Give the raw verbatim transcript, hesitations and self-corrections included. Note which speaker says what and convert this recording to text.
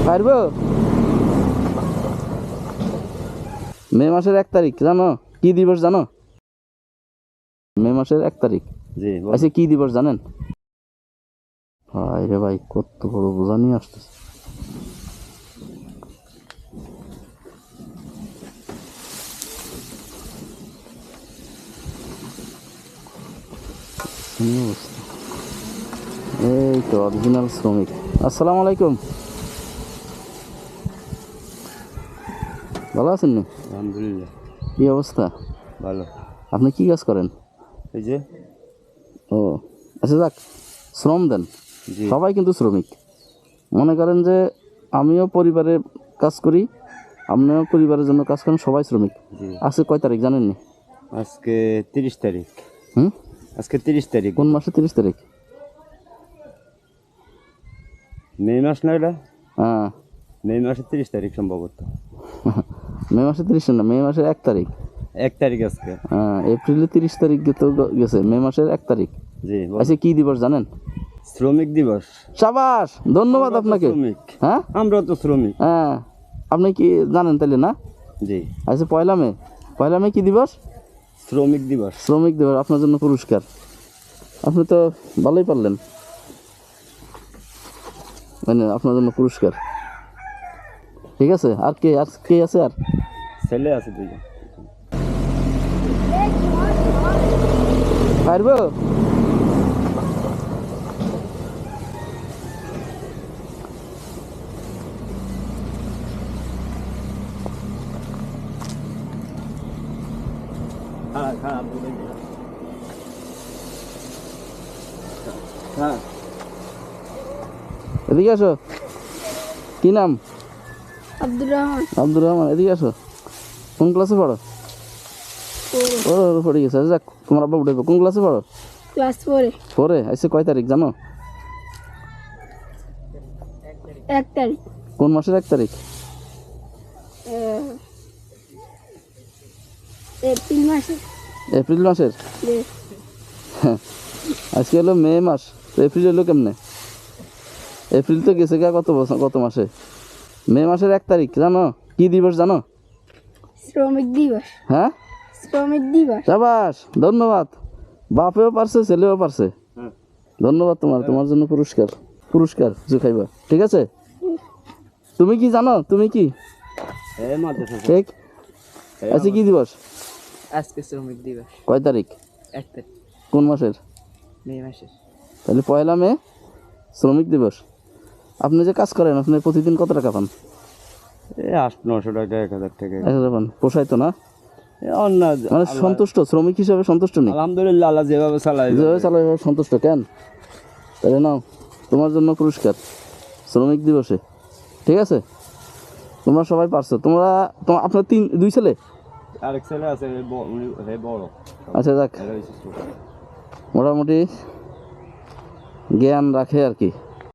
Speaker 1: পারবো? মে মাসের এক তারিখ জানো কি দিবস জানো? মে মাসের এক তারিখ
Speaker 2: জি
Speaker 1: আচ্ছা কি দিবস জানেন? ভাই রে ভাই কত বড় বোঝা নিয়ে আসতেছে। এই তো অরিজিনাল শ্রমিক। আসসালামু আলাইকুম, ভালো আছেন নি?
Speaker 2: আলহামদুলিল্লাহ
Speaker 1: কি অবস্থা?
Speaker 2: ভালো।
Speaker 1: আপনি কি কাজ করেন?
Speaker 2: এই যে
Speaker 1: ও আচ্ছা যাক, শ্রম দেন।
Speaker 2: জি
Speaker 1: সবাই কিন্তু শ্রমিক। মনে করেন যে আমিও পরিবারে কাজ করি, আপনিও পরিবারের জন্য কাজ করেন, সবাই শ্রমিক।
Speaker 2: জি
Speaker 1: আজকে কয় তারিখ জানেন নি?
Speaker 2: আজকে তিরিশ তারিখ।
Speaker 1: হুম
Speaker 2: আজকে তিরিশ তারিখ।
Speaker 1: কোন মাসে তিরিশ তারিখ?
Speaker 2: মে মাস না এটা?
Speaker 1: হ্যাঁ
Speaker 2: মে মাসের তিরিশ তারিখ সম্ভবত।
Speaker 1: মে মাসে তিরিশ না, মে মাসের এক তারিখ।
Speaker 2: এক তারিখ আজকে।
Speaker 1: হ্যাঁ এপ্রিলে তিরিশ তারিখ তো গেছে, মে মাসের এক তারিখ।
Speaker 2: জি বল।
Speaker 1: আচ্ছা কি দিবস জানেন?
Speaker 2: শ্রমিক দিবস।
Speaker 1: সাবাস, ধন্যবাদ
Speaker 2: আমরা তো
Speaker 1: আপনাকে।
Speaker 2: শ্রমিক।
Speaker 1: হ্যাঁ
Speaker 2: আমরা তো শ্রমিক।
Speaker 1: হ্যাঁ আপনি কি জানেন তাহলে না?
Speaker 2: জি
Speaker 1: আচ্ছা পয়লা মে, পয়লা মে কি দিবস?
Speaker 2: শ্রমিক দিবস।
Speaker 1: শ্রমিক দিবস। আপনার জন্য পুরস্কার। আপনি তো ভালোই পারলেন, মানে আপনার জন্য পুরস্কার। ঠিক আছে, আর কে আর কে আছে? আর
Speaker 2: ছেলে আছে দুইজন।
Speaker 1: পারবো?
Speaker 2: হ্যাঁ হ্যাঁ হ্যাঁ
Speaker 1: এদিকে আসো। কি নাম?
Speaker 3: আব্দুর রহমান।
Speaker 1: আব্দুর রহমান, এদিকে আসো। কোন ক্লাসে পড়ো? ও পড়ে গেছে। যাক, তোমার আব্বা উঠে কোন ক্লাসে পড়ো?
Speaker 3: ক্লাস ফোরে।
Speaker 1: পরে আইসে কয় তারিখ জানো?
Speaker 3: এক তারিখ।
Speaker 1: কোন মাসের এক তারিখ?
Speaker 3: আহ, এপ্রিল মাসে।
Speaker 1: এপ্রিল মাসের?
Speaker 3: যে
Speaker 1: আজকে হলো মে মাস, তো এপ্রিল হলো কেমনে? এপ্রিল তো গেছে গা কত বছর, কত মাসে? মে মাসের এক তারিখ জানো কি দিবস জানো?
Speaker 3: শ্রমিক দিবস।
Speaker 1: হ্যাঁ
Speaker 3: শ্রমিক দিবস।
Speaker 1: সাবাস, ধন্যবাদ। বাপেও পারছে, ছেলেও পারছে।
Speaker 2: হ্যাঁ।
Speaker 1: ধন্যবাদ তোমার, তোমার জন্য পুরস্কার। পুরস্কার কিছু খাইবা, ঠিক আছে? তুমি কি জানো? তুমি কি
Speaker 2: এই মাদ্রাসা।
Speaker 1: ঠিক আজকে কি দিবস?
Speaker 4: আজকে শ্রমিক দিবস।
Speaker 1: কয় তারিখ?
Speaker 4: এক তারিখ
Speaker 1: কোন মাসের?
Speaker 4: মে মাসের।
Speaker 1: তাহলে পয়লা মে শ্রমিক দিবস। আপনি যে কাজ করেন, আপনি প্রতিদিন কত টাকা পান?
Speaker 2: এই আট নশো টাকা এক হাজার টাকা।
Speaker 1: এক হাজার পান, পোষায় তো না?
Speaker 2: এ অন্য
Speaker 1: মানে সন্তুষ্ট, শ্রমিক হিসাবে সন্তুষ্ট নেই?
Speaker 2: আলহামদুলিল্লাহ, আল্লাহ যেভাবে চালায়
Speaker 1: যেভাবে চালাই এভাবে সন্তুষ্ট। কেন? তাহলে নাও তোমার জন্য পুরস্কার শ্রমিক দিবসে, ঠিক আছে? তোমরা সবাই পারছো। তোমরা তোমার আপনার তিন দুই ছেলে?
Speaker 2: আরেক ছেলে আছে, এ ব- উনি হে বড়।
Speaker 1: আচ্ছা যাক,
Speaker 2: এরা হচ্ছে ছোট।
Speaker 1: মোটামুটি জ্ঞান রাখে আর কি।